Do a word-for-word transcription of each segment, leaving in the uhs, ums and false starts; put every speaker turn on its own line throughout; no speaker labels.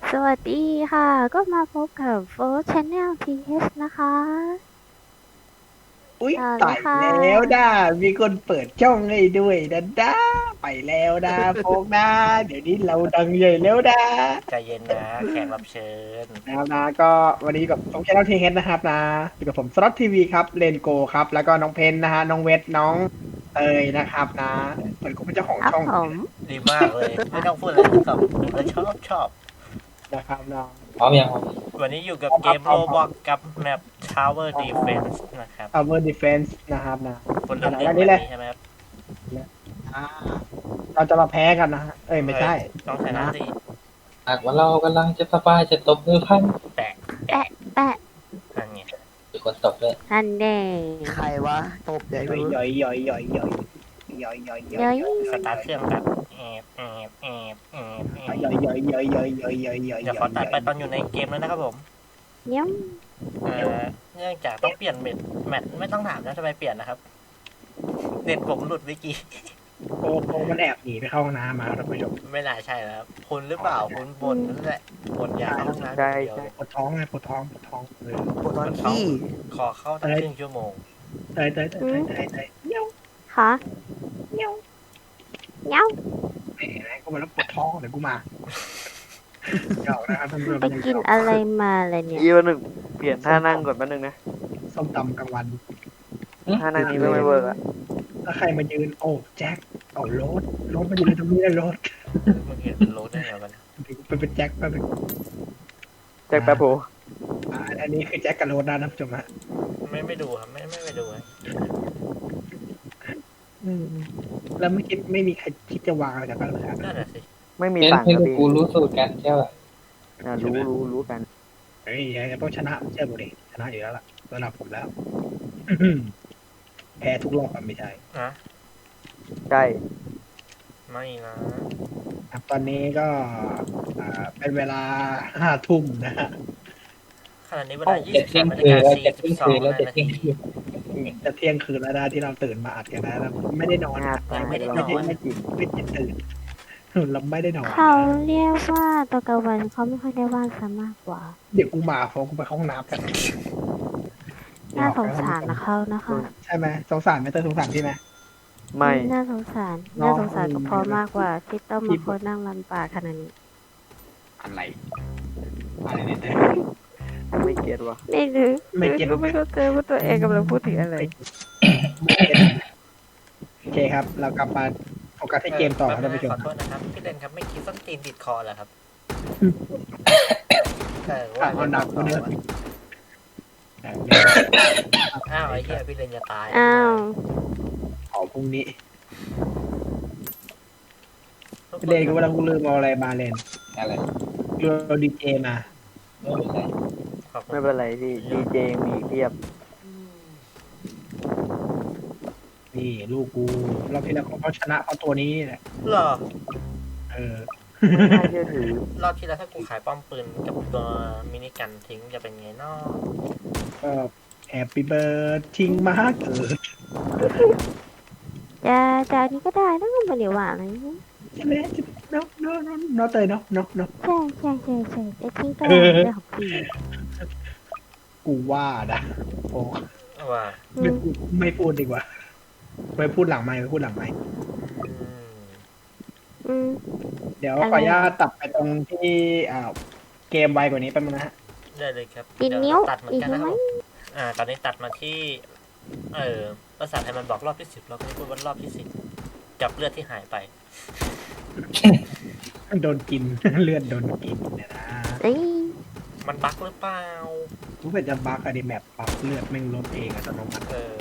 สวัสดีค่ะ ก็มาพบกับ Fourth Channel ที เอช นะคะ
อุ้ย
ต่อเล
ตาย
ยค่ะ
แล้วนะมีคนเปิดช่องให้ด้วยนะด้าไปแล้วนะโฟกนะเดี๋ยวนี้เราดังใหญ่แล้วนะ
ใจเย็นนะแขกรับเชิญ
นะครับนะก็วันนี้กับผมแชนแนลทีเฮดนะครับนะอยู่กับผมสล็อตทีวีครับเลนโกครับแล้วก็น้องเพนนะฮะน้องเวทน้องเตยนะครับนะเหมือนกูเป็นเจ้าของ
ครับ
ช่อง
ผม
ดีมากเลย ไม่ต้องพูดอะไรกับผมก็ชอบชอบ
นะครับน้อง
พร้อมยังครับ
วันนี้อยู่กับเกมโรบอกกับแมป Tower Defense นะครับ
Tower Defense นะครับนะ
คนเล่น
อัน
เล่
นี้
น
เล
แบ
ย
บนี้ใช่ไหมครับ
อ่าเราจะมาแพ้กันนะฮะเอ้ยไม่ใช่
ต้องชนะสิ
หากว่าเรากำลังจะสบายจะตบมือพัน
แปะ
แปะแปะ
นั่นไง
มีคนตบด้วย
ฮันเด
ใครวะตบใหญ่
ย่อย
รู้
ย่อยย่อยย่อยย่อยย่อยย่อยย่
เย้
อย
ย
สตาร์ทเครื่องแบบแอบแอบแอบแอบแอบ
ย่อยย่อยย่อยย่อยย่อยย่อยย่อย
เดี๋ยวขอตัดไปตอนอยู่ในเกมแล้วนะครับผม
เยี่ยม
เอ่อเนื่องจากต้องเปลี่ยนเม็ดแมทไม่ต้องถามนะทำไมเปลี่ยนนะครับเน็ตผมหลุดเมื่อกี้
โอ้โหมันแอบหนีไปเข้าห้องน้ำมาท่านผู้ชม
ไม่น่าใช่แล้วคุณหรือเปล่าคุณบ่นนั่นแหละบ่นอยากเข้าห้องน้ำอย่างเดียวเลย
ปวดท้องไงปวดท้องปวดท้องเออ
ปวดตอนขี้
ขอเข้าตั้งครึ่งชั่วโมง
เตยเตยเตยเตยเตยเตยเงี้ยว
ค่ะเงี้ยวเงี้ยว
แหมกูมาแล้วปวดท้องเดี๋ยวกูมาเดี๋ยวนะครับท่านผู้ชม
ไปกินอะไรมาเลยเนี่ย
อีกวันหนึ่งเปลี่ยนท่านั่งก่อนแป๊บนึงนะ
ส้มตำกลางวัน
ท่านั่งนี้ไม่เวิร์กอะ
ถ้าใครมายืนโอ้แจ็คเอารถรถมายืนตรงนี้เลยรถ
มึงเห็นเป็นโรถได้ไงวะเนี่ย
เป็นเป็นแจ็คเป็น
แจ็คแป๊บโผ
อ่าอันนี้คือแจ็คกับรถนะท่านผู้ชมฮะ
ไม่ไม่ดูครับไม่ไม่ไปดูครับ
อืมแล้วไม่คิดไม่มีใครคิดจะวางอะไรกันบ้างเลยครับ
นั่นแหละสิ
ไม่มี
เป็น
สั่ง
เพื่
ค
อ
รับ
น
พี่
กูรู้สูตรกันใช่ป่ะ
อ่ารู้รู้รู้กัน
เฮ้ยยังต้องชนะเชื่อผมดิชนะอยู่แล้วล่ะระดับผมแล้ว แพ้ทุกรอบอะไม่ใช่
นะ
ใช่
ไม่นะครับ
ตอนนี้ก็อ่าเป็นเวลาห้าทุ่มนะฮะ
ขณะนี้เวลา
จะ
ยี่สิบ
เที่ย
สาง มนาฬิ
คืน
กา
แล้ว
สี่
จะ
สิ
เที่ย
บ
ง
สอ
คื
ง
นแล้วจะ
นา
เที่ยง
ที
คืน
จะเที่ยงคืนแล้วนะที่เราตื่นมาอัดกันนะเราไม่ได้นอน
งา
นะ
ตาย
ไม่ได้
เรา
นอน
ไม่กิน
ไม่ได้ตื่นเราไม่ได้นอน
เขาเรียกว่าตอนกลางวันเขาไม่ค่อยได้ว่างซะมากกว่า
เดี๋ยวกูมาเพราะกูไปเข้าห้องน้ำกัน
น่าสงสารนะเขานะคะ
ใช่ไหมสงสารไหมเตยสงสารพี่ไหม
ไม่
น่าสงสาร
น้อง
น่าสงสารก็เพราะมากกว่าที่ต้องมาโพสต์นั่งลำบากขนาดนี้
อะไรอะไรเนี่ยเตย
ไม่เก็ตวะ
ไม่รู้
ไม่เก็ต
ก็ไม่เข้าใจว่าตัวเองกำลังพูดถึงอะไร
โอเคครับ เรากลับมาโฟกัสที่เกมต่อครับท่านผู้ชม
ขอโทษนะครับพี่เล่นครับไม่คิดส้นตีนติดคอเหรอครับเออ
อ่ะ
ว่า
เอาหนักกว่าเดิม
อ้าวไอ้เหี้ยพี่เล่นจะตาย
อ้าว
ขอพรุ่งนี้เล่นก็ว่าเราลืมเอาอะไรมาเล่น
อะไร
ลืมเอาดีเจมา
ไม่เป็นไร
ขอบคุณ
ไม่เป็นไรพี่ดีเจมีอีกเพียบ
นี่ลูกกูเราที่แล้วเขาชนะเพราะตัวนี้แหละ
เหรอ
เออ
ไม่น่าเชื่อถือ
รอบที่แล้วถ้ากูขายป้อมปืนกับตัวมินิกันทิ้งจะเป็นไงเนาะ
ก็แฮปปี้เบิร์ดทิงมาเกิด
จะจะอันนี้ก็ได้นะมันเดี๋ยวว่าอะไร
ใช่ไหมเนาะเนาะเนาะเนาะเตยเนาะเนาะเนาะ
ใช่ใช่ใช่ใช่จะทิ้งก็ได้เรื่องของพี่
กูว่านะโอ้
ว่า
อื
ไม่
ม
พูดไม่พูดดีกว่าไปพูดหลังไมค์ไปพูดหลังไมค์
อืม
อืม
เดี๋ยว
อะไร
ขออนุญาตตัดไปตรงที่อ่าเกมไวกว่านี้แป๊บนึงนะฮะ
ได้เลยครับ
อีก
เดี๋ยว
นิ้ว
ตัดเหมือ
อี
น
ก
กัน
นิ้
นะ
ว
ค
ไห
รับ
ม
ผมอ่า ตอนนี้ตัดมาที่ เออภาษาไทยมันบอกรอบที่สิบเราก็พูดว่ารอบที่สิบกับเลือดที่หายไป
โดนกิน เลือดโดนกินเนี่ยนะ
เอ้ย
มันบั๊กหรือเปล่า
กูเป็นจะบักอะดิแมปปรับเลือดแม่งลดเองอัตโนมัติ
เออ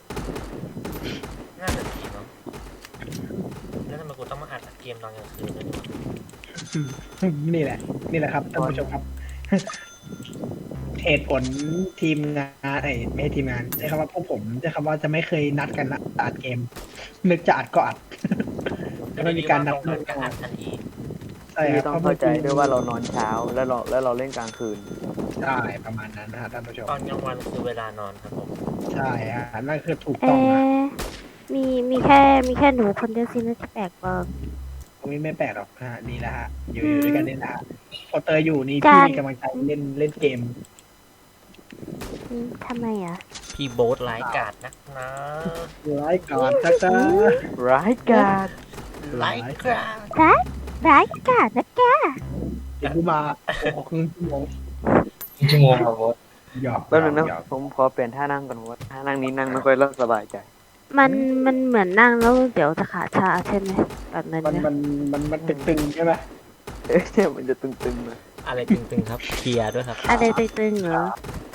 น่าจะดีเนาะแล้วทำไมกูต้องมาอัดเกมตอนกลางคืนด้วยเนี่ย
นี่แหละ นี่แหละครับท่านผู้ชมครับ เหตุผลทีมงานไอ้ยไม่ใช่ทีมงานใช้คำว่าพวกผมใช้คำว่าจะไม่เคยนัดกันนะอัดเกม นึกจะอัดก็อัด แล้วไม่มีการนัด
ตรงกันก็อัดทันที
ใช่
พี่
ครับ
ต้องเข้าใจด้วยว่าเรานอนเช้าแล้วเราแล้วเราเล่นกลางคืน
ใช่ประมาณนั้นนะฮะท่านผู้ชม
ตอนกลางวันคือเวลานอนครับผม
ใช่ฮะนั่นคือถูก
เอ
ต้องนะ
มีมีแค่มีแค่หนูคนเดียวสินะที่แปลกปลอม
ไม่ไม่แปลกหรอกฮะดีแล้วฮะอยู่อยู่ด้วยกันนี่นะฮะพอเตยอยู่นี่พี่มีกำลังใจเล่นเล่นเกม
อืมทำไมอ่ะ
พี่โบ๊ทร้ายกาจนักนะ
ร้ายกาจนะจ๊ะ
ร้ายกาจ
ร้ายกาจ
ร้ายร้ายกาจนะแก
เดี๋ยวกูมาโอ้โหครึ่งชั่วโมง
ชั่วโมงครับบอส
หยอก
แป๊บนึงนะ
หยอก
ผมขอเปลี่ยนท่านั่งก่อนเพราะว่าท่านั่งนี้นั่งไม่ค่อยสบายใจ
มันมันเหมือนนั่งแล้วเดี๋ยวจะขาชาใช่ไหมแบบนั้น
มัน
นะ
มันมันมันตึงๆใช่ไหม
เอ๊ะเนี่ยมันจะตึงๆนะ
อะไรตึงๆครับเคลียร์ด้วยครับ
อะไรตึงๆเหรอ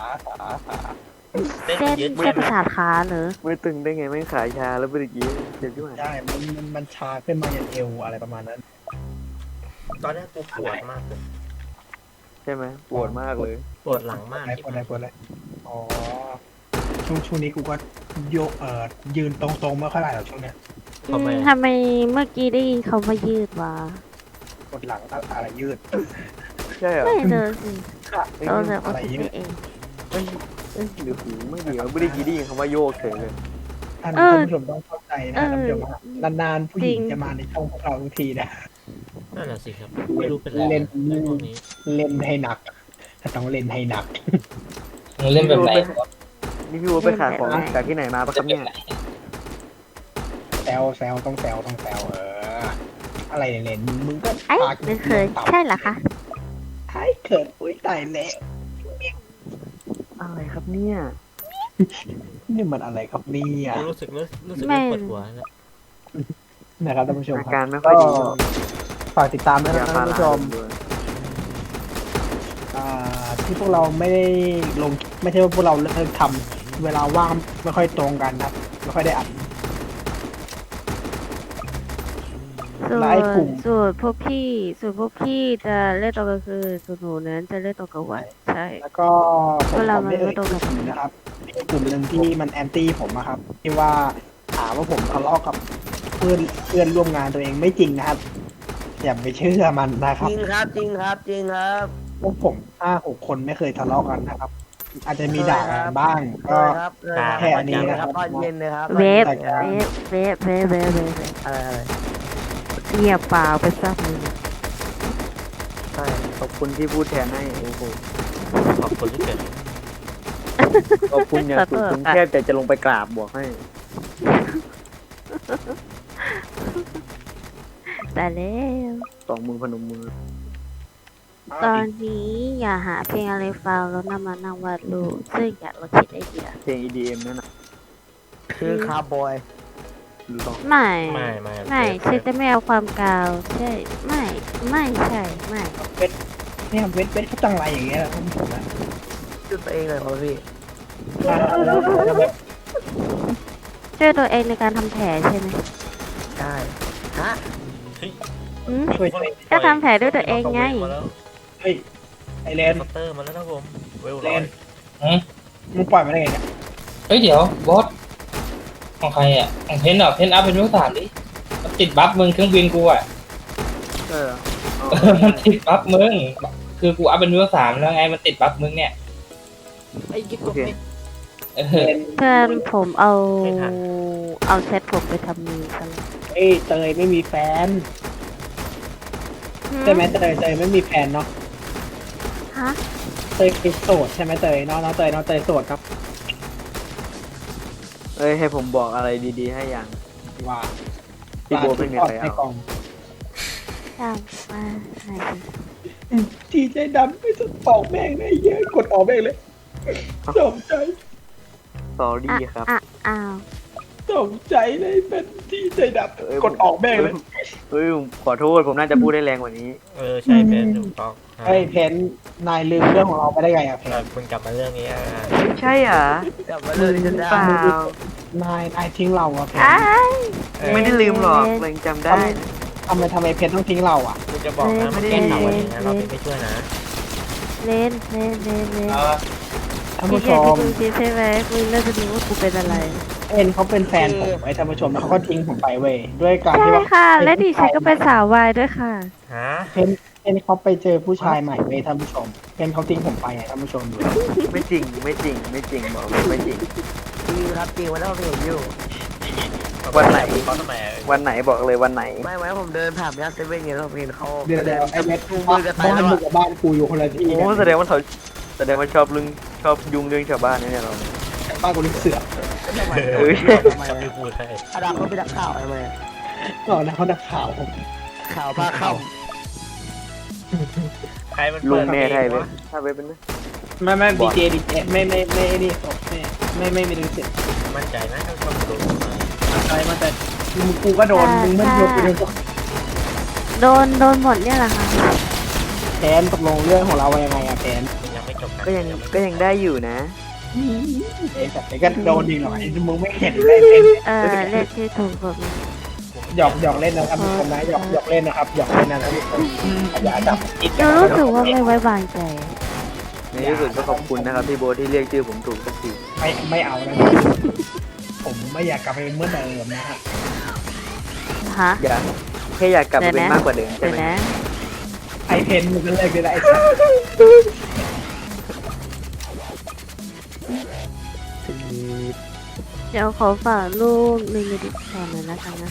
เส้น
เส้น
ยึด
เส้นประสาทขาเหรอ
ไม่ตึงได้ไงไม่ขายชาแล้วเมื่อกี้เจ็บที่ไหน
ใช่มันมันมันชาขึ้นมาอย่างเอวอะไรประมาณนั้น
ตอนแรกกูปวดมากเลย
ใช่ไหมปวดมากเลย
ปวดหลังมาก
อะไรปวดอะไรปวดอะไรอ๋อช่วงช่วงนี้กูก็โยกเอ่อยืนตรงๆไม่ค่อยได้หรอกช่วงเนี้ย
อืมทำไมเมื่อกี้ได้ยินเขามายืดวะ
ปวดหลังอะไรยืด
ใช่เหรอ
ไม่เดินสิ
เอ้ย
เราจะ
อะ
เอา
ไร
คิด
ยื
ไป
ด
เอง
เอ้ยเอ้ยหรือหูไม่ดีไม่ได้กีได้ยินคำว่าโยกเฉยเลย
ท่าน
เออ
ท่านผู้ชมต้องเข้าใจนะ
เออ
ท่านผู้ชมว่านานๆผู้หญิง
จริง
จะมาในช่องของเราทุกทีนะ
นั่นแหละสิครับไม่รู้เป็นไร
เล่น
เรื่องพวกนี้
เล่นให้หนักถ้าต้องเล่นให้หนัก
มึงเล่นแบบไหนบอส
นี่พี่วัวไปขายของจากที่ไหนมาปะครับเนี่ย
แซวแซวต้องแซวต้องแซวเออ อะไรเนี่ยเล่นมึงมึงก็
ไอ้
ปาก
ไม่เคยใช่เหรอคะ
ไอ้เกิดอุ้ยตายแล้ว
อะไรครับเนี่ย
นี่มันอะไรครับเนี่ย
รู้สึกรู้รู้สึกเริ่มปวดหัวแล้ว
นะครับท่านผู้ชม
อา
ค
การ
รับ
ไม่ค่อยดี
ฝากติดตามด้วย
ยา
นะ
พา
ท่าน
รา
ผู้ชม
ด้วย
อ่าที่พวกเราไม่ได้ลงไม่ใช่ว่าพวกเราเลิกทำเวลาว่างไม่ค่อยตรงกันครับไม่ค่อยได้อัด
ส่ว
และไอ้กลุ่
น
ม
ส่วนพวกพี่ส่วนพวกพี่จะเล่นตอนกลางคืนส่วนหนูนั้นจะเล่นตอนกลางวันใช่
แล้วก็ผม
เวลา
ผมไม่
มันไม่
เอ่ย
ตรงกับ
กลุ่มนะครับมีกลุ่มหนึ่งที่มันแอนตี้ผมอะครับ ที่ว่าหาว่าผมทะเลาะกับเพื่อนเพื่อนร่วมงานตัวเองไม่จริงนะครับ อย่าไปเชื่อมันนะครับ
จริงครับจริงครับจริงครับ
พวกผมห้าหกคนไม่เคยทะเลาะกันนะครับ อาจจะมีด่ากันบ้าง
เค
ก็
ยครับเคยครับ
แค่อันนี้นะครับ
ตอนเย็นเลยครับ
เวฟ
แต่ก็
เวฟเวฟเวฟเวฟเวฟ
อะไรอะไร
เงียบเปล่าไปซักมือ
ใช่ขอบคุณที่พูดแทนให้โอ้โห
ขอบคุณที่เกิด
ขอบคุณอย่างสุดผมแทบจะจะลงไปกราบบอกให้
แต่แล้ว
สองมือพนมมือ
ตอนนี้อย่าหาเพลงอะไรฟังแล้วนำมานั่งวาดรูปซึ่งอยากเราคิดไอเดีย
เพลง อี ดี เอ็ม นั่นน่ะ
คือคาร์บอย
หรือเปล่า
ไม่
ไม่ไม่
ไม่ฉันจะไม่เอาความกาวใช่ไม่ไม่ใช่ไม่
เวทเนี่ยเวทเวทเขาจังไรอย่างเงี้ยท่านผู้ชมนะ
ชื่อตัวเองเลยครับพี่
อ่าแล้วแล้วแบบ
ช่วยตัวเองในการทำแผลใช่ไหม
ใช่ฮะ
อืม
ช่วย
ก็ทำแผลด้วยตัวเองไง
มาแล้ว
เฮ้ยไอเลน
เคาน์เตอร์มาแล้วนะผมเวล
เล
ร้อย
นมึงปล่อยมาได้ไงเนี่ย
เฮ้ยเดี๋ยวบอสของใครอ่ะของเพนเหรอเพนอัพเป็นเวลสามดิมันติดบัฟมึงเครื่องบินกูอ่ะ
เอออ๋อ
เออมันติดบัฟมึงคือกูอัพเป็นเวลสามแล้วไงมันติดบัฟมึงเนี่ย
ไอ้กิ๊ก
โอเค
เอ
เล
อน
เพื่อนผมเอาเอาเซ็ตผมไปทำมีซะแล้ว
เอ้ยเตยไม่มีแฟนใช่ไหมเตยเตยไม่มีแฟนเนาะ
ฮะ
เตยคือโสดใช่ไหมเตยน้องน้องเตยน้องเตยโสดครับ
เอ้ยให้ผมบอกอะไรดีๆให้อย่าง
ว่า
พี่โบไม่มีใคร
ใน
เอา
กล่อง
ตามมาไหนดิ
ทีใจดำไม่ต้องออกแม่งเลยเยอะกดออกแม่งเลยสมใจ
สอรี่ครับ
อ่ะอ้าว
สมใจเลยเป็นทีใจด
เอ้ย
ำกดออกแม่งเลย
เฮ้ยผมขอโทษผมน่าจะพูดได้แรงกว่านี้
เออใช่เพนถูกต้อง
เฮ้ยเพนนายลืมเรื่องของเราไปได้ไงอะเพ
เอน อคุณกลับมาเรื่องนี้อ่ะ
ไม่ใช่เหรอก
ลับมาเลยจะ
หรือ
ได้
เปล่าน
ายนายทิ้งเราอะเพน
อ้าย
ไม่ได้ลืมหรอกเรายังจำได้
ทำไมทำไมเพนต้องทิ้งเราอะ
คุณจะบอกนะมันแก้ข่าววันนี้นะเราไม่ช่วยนะ
เล่นเล่นเล่นเล่น
เออ
ท่าน
พี่
ผู้
แก
ช
ที่
ม
มึงคิดใช่ไหมมึงน่าจะรู้ว่ากูเป็นอะไร
เพนเขาเป็นแฟนผมไอ้ท่านผู้ชมแล้วเขาก็ทิ้งผมไปเว้ยด้วยการ
ใช่
ที่ว่า
ค่ะ และดิฉันก็เป็นสาววายด้วยค่ะ
ฮะ
เพนเพนเขาไปเจอผู้ชายใหม่เว้ยท่านผู้ชมเพนเขาทิ้งผมไปไงท่านผู้ชมดู
ไม่จริงไม่จริงไม่จริงบอกเลยไม่จริง
จริงครับจริงวันนั้นผมเห็นอยู่
โอ
วันไหน
เขาทำไมอะ
วันไหนบอกเลยวันไหน
ไม่ไหมผมเดินผ่านย่านเซเว่นไงแล้วผมเห็นเขา
เดี๋ยว
เดิ
เดี๋ย
น
วไอ้เม็ด
จูงมือกันไป
บ้าน
แล้ว
มึง
อะ
กับบ้านกูอยู่คนละที่
โอ้แสดงว่าเขาแสดงว่าชอบเรื่องชอบยุ่งเรื่องชาวบ้านเนี่ยเรา
บ้านกูนี่เสือก
ทำไม
เอ้ย
ทำไม
ชอบไม่พูดให้
อาดัมก็ไปดักข่าวทำไมอะ
ก็นะเขานักข่าวผม
ข่าวพาเข้า
ใครมัน
ลุ
เปิ
ง
ด
แม่ไทย
เพ
เล
ล
ย
งวะ
ถ้าไปเป็นไหม
ไม่ไม่
บ
ดี
อก
เจดีเจไม่ไม่ไม่ไม่นี่ไม่ไม่ไม่ไม่มีลิขสิทธิ์
มั่นใจไหมเขาชอบดู
อะไรมาแต่มึงกูก็โดนมึงไม่โดนกูโดน
โดนโดนหมดเนี่ยแหละค่ะ
แทนตกลงเรื่องของเราว่ายังไงอะแทน
มันยังไม่จบนะ
ก็ยังก็ยังได้อยู่นะ
เอ้แต่ก็โดนดีหรอกไอ้มึงไม่เห็นเลยเป็น
เออเลขที่ถูกกฎหมาย
หยอกหยอกเล่นนะครับทุกคนนะหยอกหยอกเล่นนะครับหยอกเล่นนะครับทุกคนอย่าจับคิด
เรารู้สึกว่าไม่ไว้วางใจ
ในที่สุดก็ขอบคุณนะครับพี่โบทที่เรียกชื่อผมถูกสักที
ไม่ไม่เอานะผมไม่อยากกลับไปเป็นเหมื่อนเดิมนะฮะ
ฮะ
อยากแค่อยากกลับไปเป็นมากกว่าเดิมใช่
เดี๋ยว
ไหม
นะ
ไอเพนมึงก็เลิกได้แล้วไอ้สัส
เดี๋ยวขอฝากรูปในมิดิคอนหน่อยนะคะนะ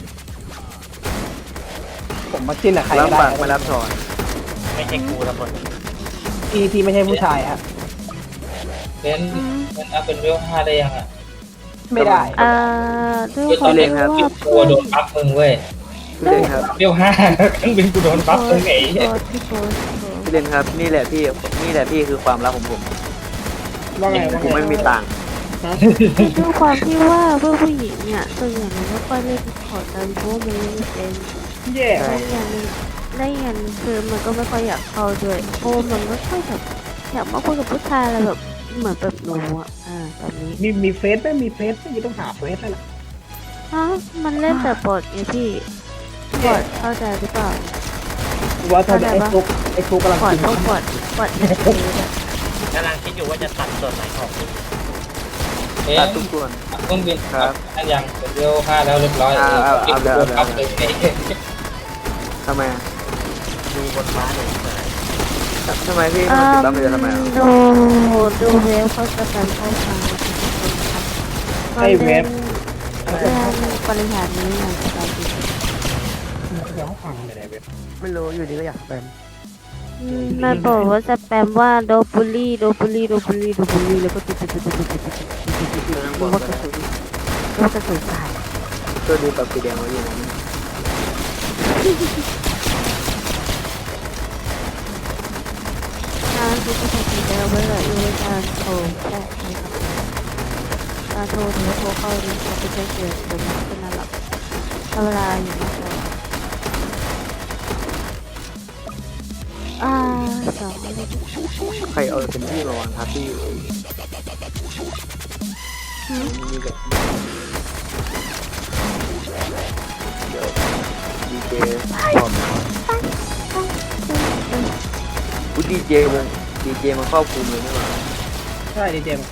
ผมมาจิ้นกับใครก็
รับ
ได้
ปากไม่รับถอน
ไม่ใช่กูทั้งหมด
ที่ที่ไม่ใช่ผู้ชายครับ
เพนเพนอัพเป็นเวลห้าได้ยังอ่ะ
ไม่ได้
เอ่อด้วยความที่ว่า
กูโดนบัฟมึงเว้ย
พี่เล่นครับ
เวลห้าเครื่องบินกูโดนบัฟมึงไอ้เหี้ย
พี่โพสต์พี่โพสต์
พี่เล่นครับนี่แหละพี่นี่แหละพี่คือความรักของผม
ว่าไงว่า
ผม
ไง
ไม่มีตังค์
ด้วยความที่ว่าเพื่อนผู้หญิงเนี่ยส่วนใหญ่มันไม่ค่อยเล่นดิสคอร์ดกันเพราะว่ามันเล่นไม่เป็น
เย่
ได้อย่างหนึงได้อย่างหนึงคือมันก็ไม่ค่อยอยากเข้าด้วยเพราะว่ามันไม่ค่อยแบบอยากมาคุยกับผู้ชายอะไรแบบเหมือนแบบหนูอ่ะอ่าแบบนี้
มีมีเฟซไหมมีเฟซไหมต้องหาเฟซแล้วล่ะ
ฮะมันเล่นแต่บทไงพี่บทเข้าใจหรือเปล่า
ว่าถ้าไอ้ฟุกไอ้ฟุกกำลัง
บท
กิน
พวกบทบทในเฟซอะ
กำลังคิดอยู่ว่าจะตัดส่วนไหนของมึง
เพ
ตัด
น
ทุกส่วน
เครื่องบิน
ครับ
อันยังเป็นเวลห้าแล้วเรียบร้อย
อ่าเอาเอา
โดน
เอา
บัฟเลยไอ้เหี้ย
ทำไมอะ
ดูบนฟ้าหนึ่งสาย
ทำไมพี่
เอ่
มันติด
อ
บัฟไปจะทำไมอะ
ดูดูเว็บเขาจะการเข้าทางก็เล่นเรื่องบริหารนี้อย่างสบายดี
เดี๋ยวฟังเลยเว็บ
ไม่รู้อยู่ดีก็อยากแปม
อืมมันบอกว่าสแปมว่าโดบุลี่โดบุลี่โดบุลี่โดบุลี่แล้วก็ติดติดติดติดติดติดติดติดติดติดติดว่ากระสุนว่ากระสุนสาย
ตัวดูแบบสีแดงไว้อยู่นะ
งานที่จะทำได้ไว้เลยอยู่ในการโทรแค่นี้ครับการโทรหรือโทรเข้านี้จะไม่ใช่เสียงเป็นเป็นอะไรหรอกเวลาอยู่นะคะอ่าสองเลย
ใครเอาเป็นที่มาวางทับที่อยู่มีแบบเดี๋ยวดีเจพร้อมอุ๊ยดีเจวงดีเจมันครอบคลุมเลยนี่หว่า
ใช่ดีเจมันเขา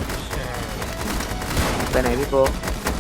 ไปไหนพี่โบ๊ท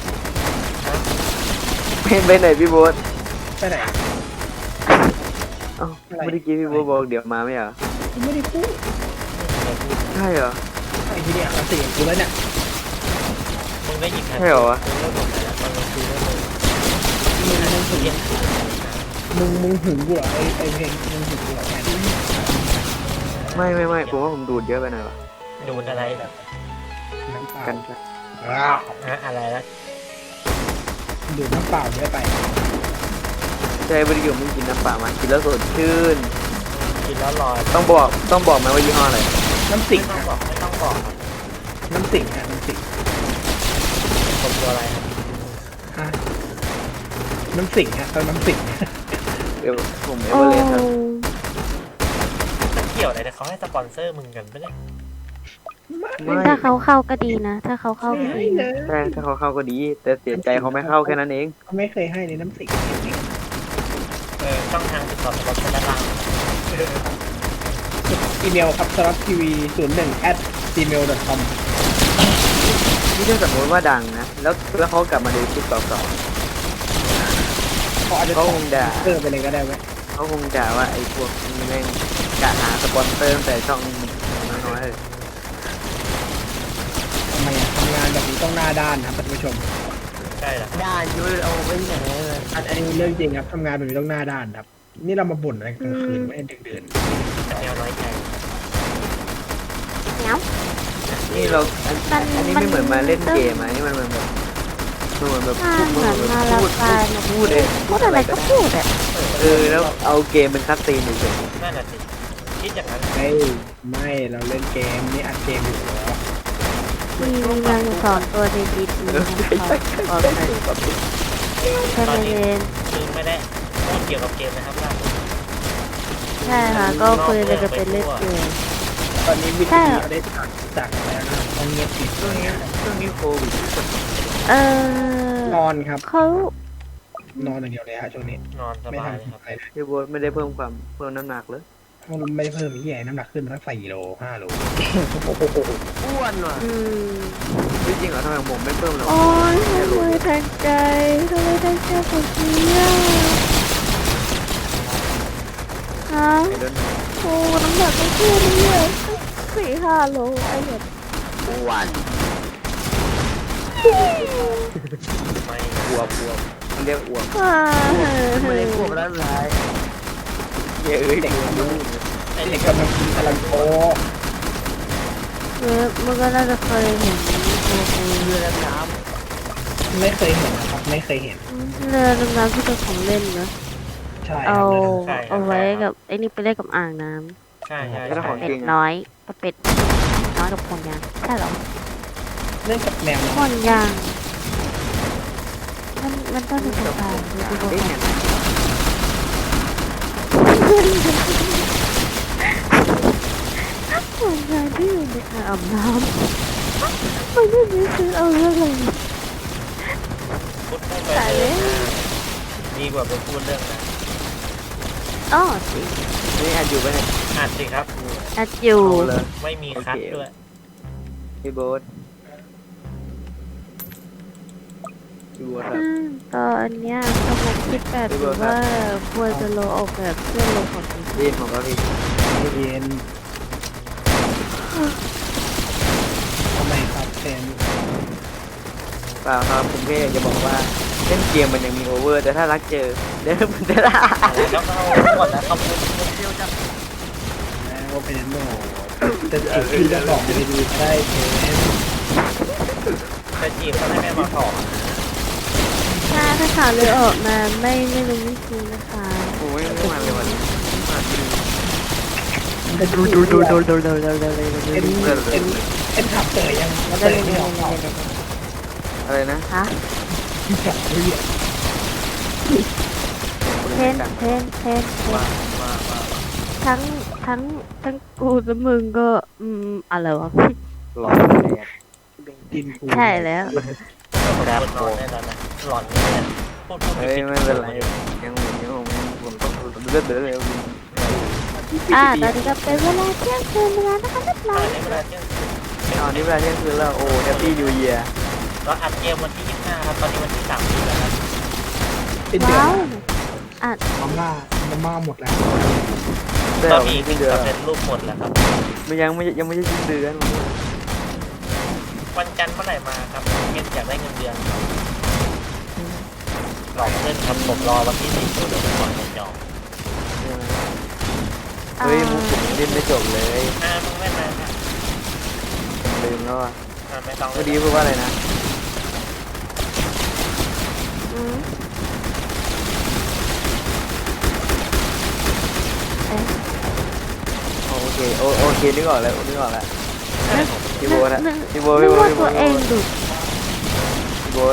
ไปไหนพี่โบ๊ท
ไปไหน
เอ้าเมื่อกี้พี่โบ๊ทบอกเดี๋ยวมาไม่เหรอ
ไม่ได้พูด
ใช่เหรอ
ไอ้ที่เนี่ยเขาเสียงกูแล้วเนี่ย
มึงได้ยิน
ใช่เหรอวะ
มึงเลิกหมดแล้วตอนกลางคืนแล้วมึง
มึงมึงหึง
เย็น
มึงมึงหึงกูเหรอไอ้ไอ้เพลงมึงหึงกูเหรอแทน
ไม่ไม่ไม่ผมว่าผมดูดเยอะไปหน่อยวะ
ดูดอะไรแบบ
น้ำเปล่า
กันครับ
อ้าว
อะอะไรแล้ว
ดูดน้ำเปล่าเยอะไป
ใช่บริโภคมึงกินน้ำเปล่ามากินแล้วสดชื่น
กินแล้วลอย
ต้องบอกต้องบอกไหมว่ายี่ห้ออะไร
น้ำสิง
ไม่ต้อง
ฮะ
บอกไม่ต้องบอกครับ
น้ำสิงฮะน้ำสิง
ผมตัวอะไรครับ
ฮะน้ำสิงฮะตอนน้ำสิง
เดี๋ยวผมเอ
โอ้
เวอเรสต์ครับ
มันเกี่ยวอะไรเนี่ยเขาให้สปอนเซอร์มึงกันปะเนี่ย
ไม่
ถ้าเขาเข้าก็ดีนะ ถ้าเขาเข้าก็
ไม่
ดี
เล
นะ
ย
ใช่ถ้าเขาเข้าก็ดี แต่เสียใจเขาไม่เข้าแค่นั้นเอง
เขาไม่เคยให้ในน้ำสิง
เออช่องทางติดต่อสปอนเซอร์ด้านล่าง
อีเมลครับสลับทีวีศูนย์หนึ่ง at gmail dot com
นี่ถ้าสมมติว่าดังนะ แล้วแล้วเขากลับมาดูคลิปเก่า
เขาอาจจะ
เขาคงด่า
เออไปเลยก็ได้ไหม
ๆเขาคงด่าว่าไอ้พวกนี้แม่งกะหาสปอนเซอร์ตั้งแต่ช่องน้อยๆเลย
ทำไมอะทำงานแบบนี้ต้องหน้าด้านนะครับท่านผู้ชม
ใช่เหรอ
ด่านอยู่เอาไปที่ไหนเลย
อันอันนี้เรื่องจริงครับทำงานแบบนี้ต้องหน้าด้านครับ นี่เรามาบ่นอะไรกลางคืนไม่ให้ดึกดื่น
แต่แนวน้อยใจ
เนาะ
นี่เราอัน
มัน
อันนี้ไม่เหมือนมาเล่นเกมอ่ะนี่มันเหมือนแบบมันเหมือนแบบ
ถ้า
พูด
เหมือน
แบบ
มารับ
พูด
การ
พูดเอง
พูดอะไรก็พูดอ่ะ
เออแล้วเอาเกมเป็นคัสซีนเฉย
นั่นน่ะสิคิดอย่างนั้น
ไม่ไม่เราเล่นเกมนี่อัดเกมอยู่แล้ว
มีแมงสองตัวในดีดีนะครับบอกเลยแค่ไม่เล่น
คือไม่ได้พูดเกี่ยวกับเกมนะครับล่าสุด
ใช่ค่ะก็คุยเลยจะเป็นเล่นเกม
ตอนนี้วิท
ใช่
ยาได้ตัดจากแล้วนะต้องเงียบปิด
ช่วงนี้ช่วงนี้โควิด
เออน
อนครับ
เขา
นอนอย่างเดียวเลยฮะช่วงนี้
นอนส
ไม่
บายเลย
ทำ
ครับ
อะไรเลย
พี่โบ๊ทไม่ได้เพิ่มความเพิ่มน้ำหนักเลย
มันไม่ได้เพิ่มที่ใหญ่น้ำหนักขึ้นมาตั้งสี่โลห้าโล
อ้วนว่ะ
อืม
จริงเหรอทำไมผมไม่เพิ่มหรอก
โอ้ยทำไมทางใจทำไมทางใจคนนี้อ่ะฮะ
ไอ้เดิน
โอ้น้ำหนักไม่ขึ้นเลยสี่ห้าโลไอ้แบบ
อ้วน
ไม่
อวบอวบมันเรียกอวบ
อ่า
ไม่ได้ควบแล้วไร
เยอะเอ้ยเด็กมันรู้
ไอ้
เด็
เด็
ก
ก
กำลังกินกำลังโต
เออมันก็น่าจะเคยเห็นตัวกู
เรือดำน้
ไม่เคยเห็นนะครับ ไม่เคยเห็น
เรือดำน้ำที่เป็นของเล่นนะ
ใช่ค
เอา
รับ
เอาไว้กับไอ้นี่ไปเล่นกับอ่างน้
ใช่ใช่
ก็ต้อง
ใช่
ของ
ำเป็
จริ
ด
ง
น้อยกับเป็ดน้อยกับห่วงยางใช่เหรอ
เล่นกับแมว
ห่วงยางมันมันต้องมีสายดูดู
เอ้ยเนี่ย
ห่วงยางที่อยู่ในอ่างอาบน้ำมันไม่มีซื้อเอาเรื่องอะไร
พูดพูดไปเลยดีกว่าไปพูดเรื่องนะ
อ๋อสิ
นี่อัดอยู่ปะเนี่ย
อ่านสิครับ
อัดอยู่
เอาเลย
ไม่มีคัดด้วย
พี่โบ๊ทพี่โบ๊ทครับ
อืมตอนเนี้ยกำลังคิดแบบอยู่ว่าควรจะโลออกแบบเพื่อลงของจริง
ได้ยินผมก็พี่
ไม่เย็นทำไมครับเซน
เปล่าครับผมแค่อยากจะบอกว่าเล่นเกมมันยังมีโอเวอร์แต่ถ้ารักเจอเดี๋ยวมันจะได้
แล้วก็เอาหมดแล้วเขาพูด
แล้วเป็นโน่แต่สิ่งที่จะบอกไม่ดีๆได้เซน
จะจีบเขาให้แม่มาขอ
ถ้าถ้าข่าวเลยออกมาไม่ไม่รู้ไม่จริงนะคะ
โอ้ยไม่มาเลยวันนี้มาดี
ดูดูดูดูดู
เร็วเร็วเร็วเร็วเร็ว
เอ็นเอ็นเอ็นขับเตยยังเตยไม่ออก
อะไรนะ
ฮะ
ขับเรียก
เทนเทนเทนเท
ว่าน ว่าว่า
ทั้งทั้งทั้งกูและมึงก็อืมอะไรวะ
หลอนเลยอะ
กินกู
ใช่แล้ว
แบบนอนแน่นอนนะหลอนเนี่ยพูดพูด
เฮ้ยไม่เป็นไรยังผมยังผมผมต้องเลือดเดือดเลย
อ่าตอนนี้ก็เป็นเวลาเที่ยงคืนแล้วนะคะเรียบร้
ต
อ
อย นนี้เวลาเที่ยงคืน
ตอนนี้เวลาเที่ยงคืนแล้วโอ้แฮปปี้นิวเยียร์
เราอัดเกมวันที่ยี่สิบห้าครับ ตอนนี้วันที่สามสิบแล้วครับ
เป็นเดือ
ว้าว
น
อ่ะ
มาม่ามาม่าหมดแล้ว
ได้
ก็
ออก
มี
สิ้นเดือน
สำเร็จรูปหมดแล้วครับ
มันยังไม่ยังไม่ใช่สิ้นเดือน
วันจันทร์เมื่อไหร่มาครับเงินอยากได้เงินเดือนครับหลอกเพื่อนครับผมรอวันที่สิบเดี๋ยวผมก่อนจะจอง
เฮ้ยมุกผมเล่นไม่จบเลย
อ่ามึงไม่มาครับ
ผมลืมแล้วอ่ะ
อ่าไม่ต้อง
เมื่อกี้พูดว่าอะไรนะ
อืม
โอเคโอโอเคนึกออกแล้วนึกออกแล้วพี่โบนะ
นึก
พี่โบ
นึ
พี่
ก
โบ
ว่า
พี่โบ
ตัวเองดุ
พี่โบ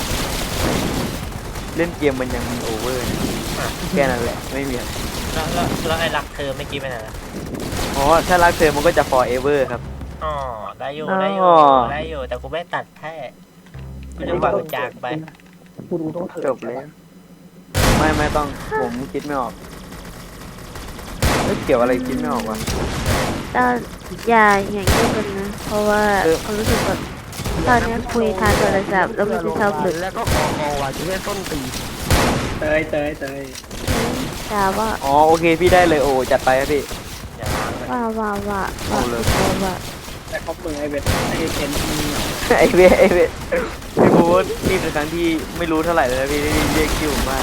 เล่นเกมมันยังมีโอเวอร์แค่นั้นแหละไม่มี
แล้วแล้วแล้วไอ้รักเธอไม่อกี้ไปไหนล่ะ
อ๋อถ้ารักเธอมันก็จะ forever ครับ
อ๋อได้อยู่ได้อยู่
อ๋อ
ได้อยู่แต่กูไม่ตัดแค่กูจะปล่อยมันจากไป
กูรู้ต้องเถิด
จบเลยไม่ไม่ต้องผมคิดไม่ออกเอ้ยเกี่ยวอะไรคิดไม่ออกวะ
ตอนอย่าอย่างนี้กันนะ เพราะว่า
เออ
เขารู้สึกแบบตอนนี้คุยทางโทรศัพท์แล้วมันจะชอบหลุด
แล้วก็คอคอว่ะจะเรียกต้นตี
เตยเตยเตย
ด่าว่า
อ๋อโอเคพี่ได้เลยโอ้จัดไปครับพี่
อย่าล้างเลย
ว่าว่าว่าว่า
เอาเลย
ว่าว่า
แต่เขาเปิดไอเวทไอเซนที่
ไอเวไอเวพี่บูธนี่เป็นครั้งที่ไม่รู้เท่าไหร่เลยนะพี่ที่เรียกคิวผมมาก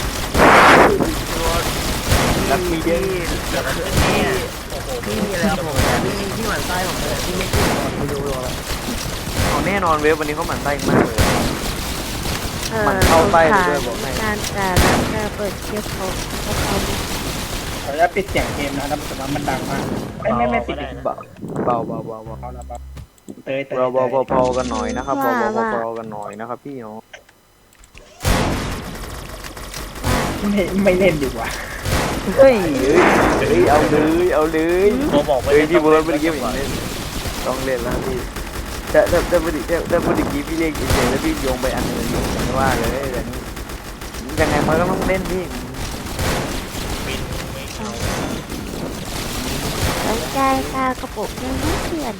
รักมีเยอะ
แล้วก็เนี่ยโอ้โห
พี่มีอะไรครับผมพี่พี่หมั่นไส้ผมเลยพี่ไม่กินก่อนไปดูเลย
เอาแน่นอนเวฟวันนี้เขาหมั่นไส้มากเลย
เออ
มันเข้าไปเลยด้วยบอกให้
การแต่ละจะเปิดเทียบเขาเพราะเขา
ขออนุญาตปิดเสียงเกมนะแล้วแต่ว่ามันดังมากไม่ไม่ไม่ปิด
เบาเบาเบาเบาเบา
เอาละเบาเตยเตย
เราเบาเบาเบากันหน่อยนะครับเบาเบาเบาเบากันหน่อยนะครับพี่เนาะ
ไม่ไม่เล่นดีกว่า
เฮ้ยเฮ้ยเอาเลยเอาเลย
โมบอกไป
เฮ้ยพี่เบิร์ดเมื่อกี้ผมเล่นต้องเล่นแล้วพี่แต่แต่แต่พอดีแต่แต่พอดีกี้พี่เรียกเฉยๆแล้วพี่โยงไปอันอื่นไม่ว่าเลยแต่นี่ยังไงมันก็ต้องเล่นพี่
บินไม่เอา
แล้วใจกากระปุกยังไม่เปลี่ยน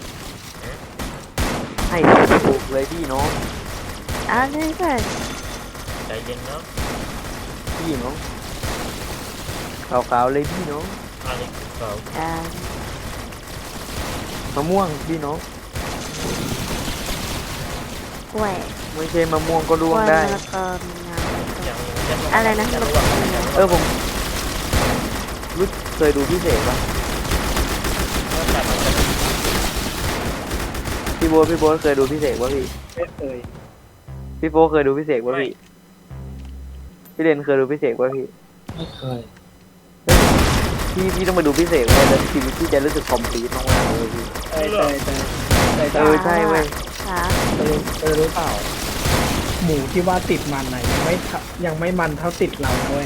ให้ถูกเลยพี่น้อง
เอาเลยก่อน
ใจเย็นเนาะ
พี่น้องขาวๆเลยพี่น้อง
อะไรเขา
อ่าม
ะม่วงพี่น้อง
กล้วย
ไม่ใช่มะม่วงก็
กล้
ร่ว
ว
ง
ย
ได้
มะละกอมีน้ำ
ยังยัง
อะไรนะ
ยัง
มะ
รู้
ละ
ว่าก
อ
เออผมรู้เคยดูพี่เสกปะ
แต่มันจะ
พี่โบ๊ทพี่โบ๊ทเคยดูพี่เสกปะพี่
ไม่เคย
พี่โฟเคยดูพี่เสกปะพี่พี่เรนเคยดูพี่เสกปะพี่
ไม่เคย
พี่พี่ต้องมาดูพี่เสกเว้ยแล้วชีวิตพี่จะรู้สึกคอมพลีทมากๆเลยพี่
เตยเตยเตยเตยเต
เอย อใช่เว้ย
ขา
เตยเตยรู้เปล่า หมูที่ว่าติดมันไหนะยังไม่ทะยังไม่มันเท่าติดเราด้วย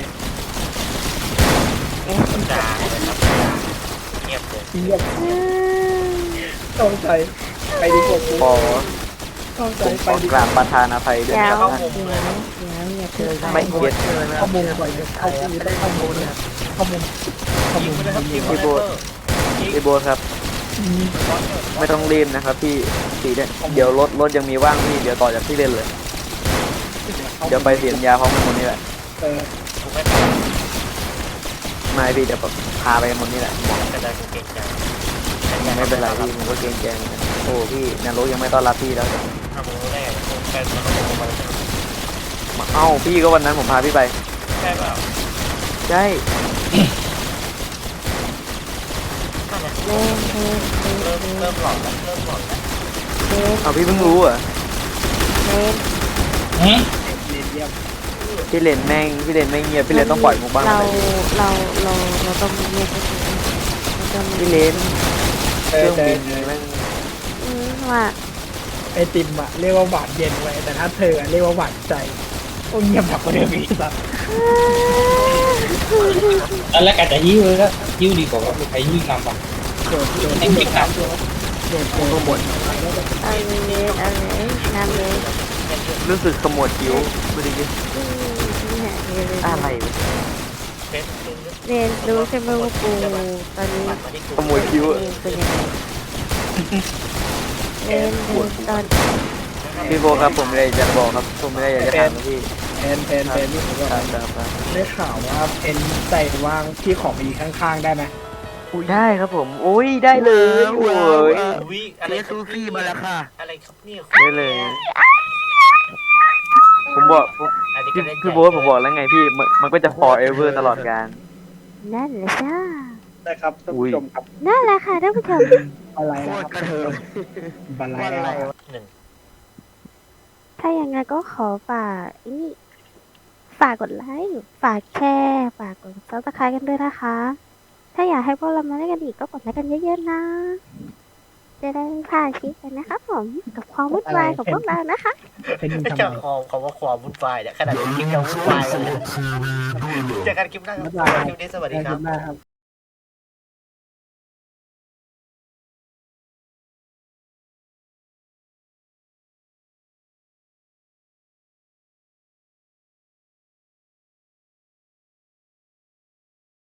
เอ๊ะ
ด่าเลยครับเงียบเลย
เงียบ
อืม
ต้องใจไปดีกว่ากู
ขอ
ต้องใจ
ผมข
ไป
อ
ดี
ก
กว่า
ราบประธานอภัยด้วย
เดี๋ยว
นะครับ
เดี๋ยวเดี๋ยวอย่าเพิ่ง
ไม่เก็ต
ข้อมูลก่อนจะเข้าคูต้องข้อมูลเนี่ยข้อมูลข้อ
ยิ
มู
ง
ล
ไปเลยครับยิงไป
พี่
เลย
โบ๊ทพี่โบ๊ทครับ ไม่ต้องรีบนะครับพี่สีเนี่ยเดี๋ยวรถรถยังมีว่างพี่เดี๋ยวต่อจากที่เล่นเลย เดี๋ยวไปเสียนยาพร้อมกันหมดนี่แหละ
เออ
ถูกไหมครับ
ไม่พี่เดี๋ยวแบบพาไปกันหมดนี่แหละ
กระจายกูเก่งจัง
ไม่เป็นไรพี่มันก็เกรงใจเหมือนกันโอ้พี่นรกยังไม่ต้อนรับพี่แล้ว
ถ้ามึงรู้ได้ไงมึงแฟนมันต้องบอกมาแล้ว
เอ้าพี่ก็วันนั้นผมพาพี่ไป
ใช่เปล่า
ใช่
เล่นเล่นเล่น
เริ่ม
เล่น
เริ่มหลอนแล้วเริ่มหลอนแล้ว
เล่น
เอาพี่เพิ่งรู้เหรอ่ะ
เล่น
หืม
เรียนเยี่ยม
พี่เลนแม่งพี่เลนไม่เงียบพี่เลนต้องปล่อยมุกบ้าง
เรา
เลย
เราเราเราต้องมีเงียบไปก่อนเราต้องมี
พี่เลน
เต
เครื่
ย
อง
เต
บิ
ย
นแม่ง
อืมว่า
ไอติมอะเรียกว่าหวานเย็นไว้ยแต่ถ้าเธออะเรียกว่าหวานใจโอ้เงียบแบบเดิมอีกสัส
ตอนแรกอาจจะยิ้วเลยก็ยิ้วดีกว่าว่าใครยิ้วนำอ่ะ
โดดโดด
ให้ปิดนำ
โดดโดดโดดหมด
เอาเลยเอาเลยงามเลย
รู้สึกขมวดคิ้วไม่ได้ยิน
อืมเนี่ยเรียน
อะไรวะ
เฟซบุ๊ก
เรียนรู้ใช่ไหมว่าปูตอนนี้
ปัดมาที่กู
ขโมยคิ้วอะ
เรียนเป็นยังไงเรียนเรียนตอน
พี่โบครับผมไม่ได้จะบอกครับผมไม่ได้อยากจะถามนะพี่
แทนแทนแทนนี่ผมว่า
ครับครับครับ
ได้ข่าวว่าเป็นใจว่างที่ของมีข้างๆได้ไหม
อุ้ยได้ครับผมอุ้ยได้เลยโอ้ย
วิอะ
เจ
ไร
ซูฟี่มาแล้วค่ะ
อะไรครับเนี่ย
ได้เลย ผมบอกผมพี่พี่โบ๊ทผมบอกแล้วไงพี่มันมันก็จะ forever ตลอดกาล
นั่นแหละจ้า
นะครับท่าน
อุ้ย
ผู้ชมครับ
นั่นแหละค่ะท่านผู้ชม
อะไร
โค
นะ
ต
ค
ร
รับ
กระเทิง
บันไล
วันอะไร
นะครับ
วะ
หนึ่ง
ถ้าอย่างไงก็ขอฝากนี่ฝากกดไลค์ฝากแชร์ฝากกดซับสไครต์กันด้วยนะคะ ถ้าอยากให้พวกเรามาเล่นกันอีกก็กดไลค์กันเยอะๆนะ จะได้ไม่พลาดคลิปกันนะครับผมกับความวุ่นวายของพวกเรานะคะ
เป็นทำ
เจ้า
ไม
ของคำว่าความวุ่นวายเนี่ยขนาดนี้คลิปยังวุ่นวายเลยเจอกันคลิปหน้าครับคลิปนี้สวัสดีครับ
ได้ครับ